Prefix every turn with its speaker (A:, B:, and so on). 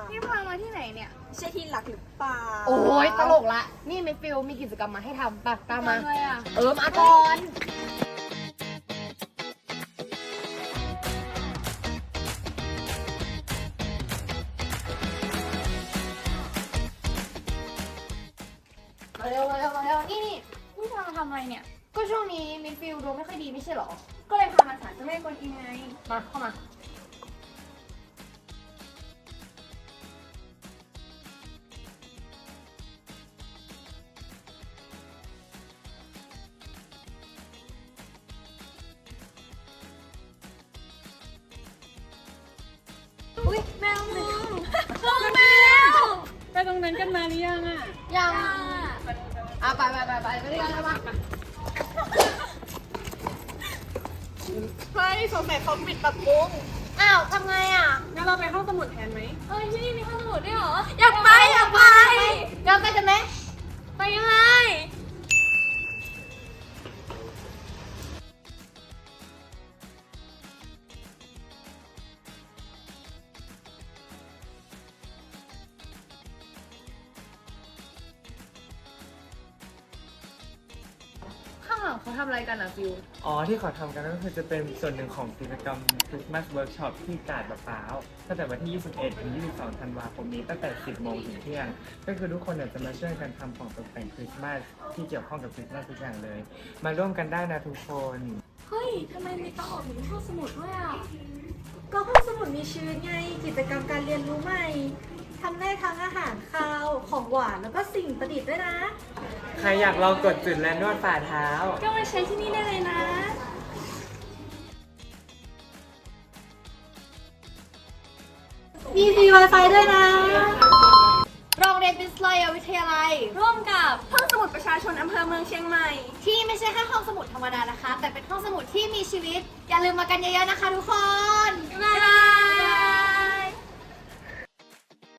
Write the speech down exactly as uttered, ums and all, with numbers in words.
A: นี่พามาที่ไหนเนี่ยใช่ที่หลักหรือเปล่า
B: โอ้ยตลกละนี่เมฟิลมีกิจกรรมมาให้ทำปะตามมา
A: อะไรอ่ะ
B: เออมาก่อนมาเร็วมาเร็วมาเร็วนี่นี่
A: นี่พามาทำอะไรเนี่ย
B: ก็ช่วงนี้มิดฟิลดวงไม่ค่อยดีไม่ใช่หรอ
A: ก็เลยพามาศาลเจ้าแม่กวนอิมไง
B: มาเข้ามาอุ้ยแมวมึงแมว
C: ไปตรงนั้นกันมาหรือยังอ่ะ
B: ยังอ่ะไปไปไปไปไปด้วยกันแล้วมา
A: เฮ้ยสงสัยเขาปิดปรับปรุง
B: อ้าวทำไงอ่ะ
C: งั้นเราไปห้องสมุดแทนไหม
A: เฮ้ยที่นี่มีห้องสมุดด้วยเหรอ อยากไปอยากไป
B: เราไปกันไหม
A: ไปยังไง
B: ข้างหลังเขาทำอะไรกันอ่ะฟิว
D: อ๋อที่เขาทำกันก็คือจะเป็นส่วนหนึ่งของกิจกรรม Christmas Workshop ที่กาดมะพร้าวตั้งแต่วันที่ ยี่สิบเอ็ด ถึง ยี่สิบสอง ธันวาคมนี้ตั้งแต่ สิบ โมงถึงเที่ยง ก็คือทุกคนเนี่ยจะมาช่วยกันทำของตกแต่งคริสต์มาสที่เกี่ยวข้องกับคริสต์มาสทุกอย่างเลย มาร่วมกันได้นะทุกคน
A: เฮ้ยทำไมมีโต๊ะออกถึงห้องสมุดด้วยอ่ะ ก็ห้องสมุดมีชีวิตไง กิจกรรมการเรียนรู้ใหม่ทำได้ทั้งอาหารคาว ของหวานแล้วก็สิ่งประดิษฐ์ด้วยนะ
D: ใครอยากลองกดจุดและนวดฝ่าเท้า
A: ก็มาใช้ที่นี่ได้เลยนะ
B: มีฟรี Wi-Fi ด้วยนะ โรงเรียนวิทยาวิทยาลัย
A: ร่วมกับห้องสมุดประชาชนอำเภอเมืองเชียงใหม่
B: ที่ไม่ใช่แค่ห้องสมุดธรรมดานะคะ แต่เป็นห้องสมุดที่มีชีวิต อย่าลืมมากันเยอะๆนะคะทุกคน
A: บ๊ายบาย